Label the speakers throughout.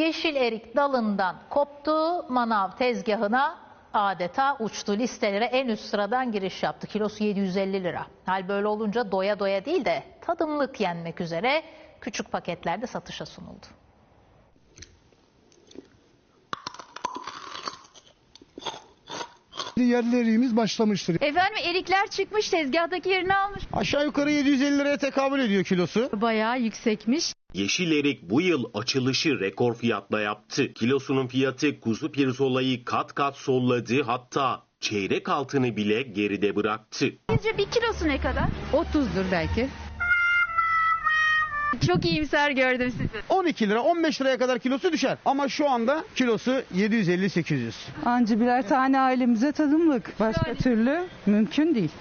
Speaker 1: Yeşil erik dalından koptu, manav tezgahına adeta uçtu. Listelere en üst sıradan giriş yaptı. Kilosu 750 lira. Hal böyle olunca doya doya değil de tadımlık yenmek üzere küçük paketlerde satışa sunuldu.
Speaker 2: Yerli eriğimiz başlamıştır.
Speaker 3: Efendim erikler çıkmış, tezgahtaki yerini almış.
Speaker 4: Aşağı yukarı 750 liraya tekabül ediyor kilosu.
Speaker 3: Bayağı yüksekmiş.
Speaker 5: Yeşil erik bu yıl açılışı rekor fiyatla yaptı. Kilosunun fiyatı kuzu pirzolayı kat kat solladı, hatta çeyrek altını bile geride bıraktı.
Speaker 3: Sizce bir kilosu ne kadar?
Speaker 6: 30'dur belki.
Speaker 3: Çok iyimser gördüm sizi.
Speaker 4: 12 lira 15 liraya kadar kilosu düşer. Ama şu anda kilosu 750-800.
Speaker 6: Anca birer tane ailemize tadımlık. Başka türlü mümkün değil.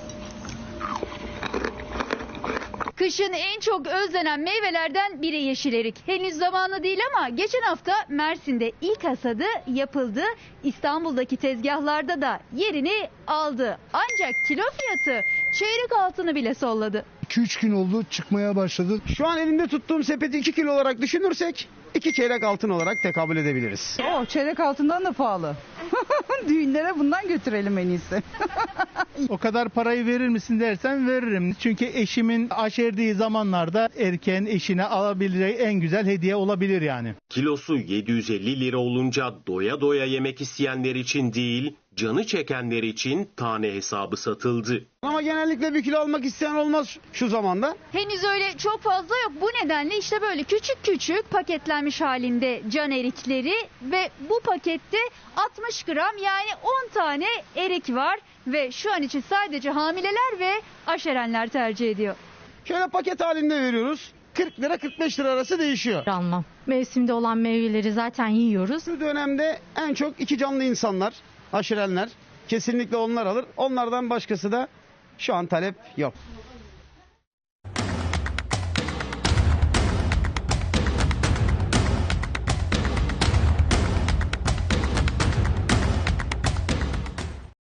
Speaker 3: Kışın en çok özlenen meyvelerden biri yeşil erik. Henüz zamanı değil ama geçen hafta Mersin'de ilk hasadı yapıldı. İstanbul'daki tezgahlarda da yerini aldı. Ancak kilo fiyatı çeyrek altını bile solladı.
Speaker 2: 2-3 gün oldu çıkmaya başladı.
Speaker 4: Şu an elimde tuttuğum sepeti 2 kilo olarak düşünürsek 2 çeyrek altın olarak tekabül edebiliriz.
Speaker 6: Çeyrek altından da pahalı. Düğünlere bundan götürelim en iyisi.
Speaker 7: O kadar parayı verir misin dersen veririm. Çünkü eşimin aşerdiği zamanlarda erkeğin eşine alabileceği en güzel hediye olabilir yani.
Speaker 5: Kilosu 750 lira olunca doya doya yemek isteyenler için değil, canı çekenler için tane hesabı satıldı.
Speaker 4: Ama genellikle 1 kilo almak isteyen olmaz şu zamanda.
Speaker 3: Henüz öyle çok fazla yok. Bu nedenle işte böyle küçük küçük paketlenmiş halinde can erikleri ve bu pakette 60 gram yani 10 tane erik var ve şu an için sadece hamileler ve aşerenler tercih ediyor.
Speaker 4: Şöyle paket halinde veriyoruz. 40 lira 45 lira arası değişiyor.
Speaker 8: Almam. Mevsimde olan meyveleri zaten yiyoruz.
Speaker 4: Şu dönemde en çok 2 canlı insanlar, aşirenler kesinlikle onlar alır. Onlardan başkası da şu an talep yok.